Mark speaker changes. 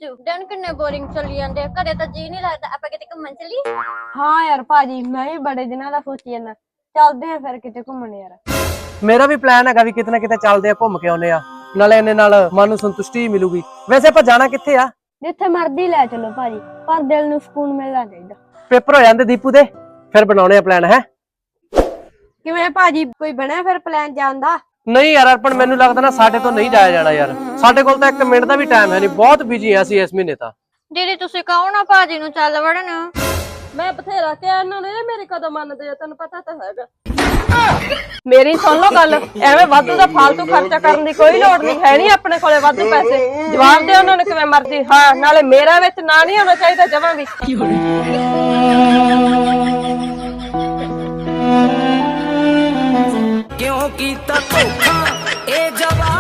Speaker 1: ਜੂ ਦਿਨ ਕਿੰਨੇ ਬੋਰਿੰਗ ਚੱਲੀ ਜਾਂਦੇ ਘਰੇ ਤਾਂ ਜੀ ਨਹੀਂ ਲੱਗਦਾ ਆਪਾਂ ਕਿਤੇ ਘੁੰਮਣ ਚੱਲੀਏ।
Speaker 2: ਹਾਂ ਯਾਰ ਭਾਜੀ ਮੈਂ ਵੀ ਬੜੇ ਦਿਨਾਂ ਦਾ ਸੋਚੀ ਜਾਂਦਾ ਚੱਲਦੇ ਆ ਫਿਰ ਕਿਤੇ ਘੁੰਮਣ ਯਾਰ।
Speaker 3: ਮੇਰਾ ਵੀ ਪਲਾਨ ਹੈਗਾ ਵੀ ਕਿਤੇ ਨਾ ਕਿਤੇ ਚੱਲਦੇ ਆ ਘੁੰਮ ਕੇ ਆਉਨੇ ਆ ਨਾਲੇ ਇਹਨੇ ਨਾਲ ਮਨ ਨੂੰ ਸੰਤੁਸ਼ਟੀ ਮਿਲੂਗੀ। ਵੈਸੇ ਆਪਾਂ ਜਾਣਾ ਕਿੱਥੇ ਆ?
Speaker 2: ਜਿੱਥੇ ਮਰਜ਼ੀ ਲੈ ਚਲੋ ਭਾਜੀ ਪਰ ਦਿਲ ਨੂੰ ਸਕੂਨ ਮਿਲਣਾ ਚਾਹੀਦਾ।
Speaker 3: ਪੇਪਰ ਹੋ ਜਾਂਦੇ ਦੀਪੂ ਦੇ ਫਿਰ ਬਣਾਉਣੇ ਆ ਪਲਾਨ ਹੈ।
Speaker 2: ਕਿਵੇਂ ਭਾਜੀ ਕੋਈ ਬਣਿਆ ਫਿਰ ਪਲਾਨ ਜਾਣ ਦਾ?
Speaker 3: ਨਹੀਂ ਯਾਰ ਅਰਪਣ ਮੈਨੂੰ ਲੱਗਦਾ ਨਾ ਸਾਡੇ ਤੋਂ ਨਹੀਂ ਜਾਇਆ ਜਾਣਾ ਯਾਰ। ਸਾਡੇ ਕੋਲ ਤਾਂ 1 ਮਿੰਟ ਦਾ ਵੀ ਟਾਈਮ ਹੈ ਨਹੀਂ ਬਹੁਤ ਬਿਜੀ ਆ ਅਸੀਂ ਇਸ ਮਹੀਨੇ ਤਾਂ।
Speaker 1: ਦੀਦੀ ਤੁਸੀਂ ਕਹੋ ਨਾ ਭਾਜੀ ਨੂੰ ਚੱਲ ਵੜਨ।
Speaker 2: ਮੈਂ ਬਥੇਰਾ ਕਿਹਾ ਇਹਨਾਂ ਨੇ ਮੇਰੇ ਕਦੋਂ ਮੰਨਦੇ ਆ ਤੈਨੂੰ ਪਤਾ ਤਾਂ ਹੈਗਾ। ਮੇਰੀ ਸੁਣ ਲਓ ਗੱਲ ਐਵੇਂ ਵਾਧੂ ਦਾ ਫालतू ਖਰਚਾ ਕਰਨ ਦੀ ਕੋਈ ਲੋੜ ਨਹੀਂ ਹੈ ਨਹੀਂ ਆਪਣੇ ਕੋਲੇ ਵਾਧੂ ਪੈਸੇ। ਜਵਾਬ ਦੇ ਉਹਨਾਂ ਨੂੰ ਕਿਵੇਂ ਮਰਜ਼ੀ। ਹਾਂ ਨਾਲੇ ਮੇਰਾ ਵਿੱਚ ਨਾ ਨਹੀਂ ਹੋਣਾ ਚਾਹੀਦਾ ਜਮਾਂ ਵੀ।
Speaker 4: क्यों कीता धोखा ए जवाब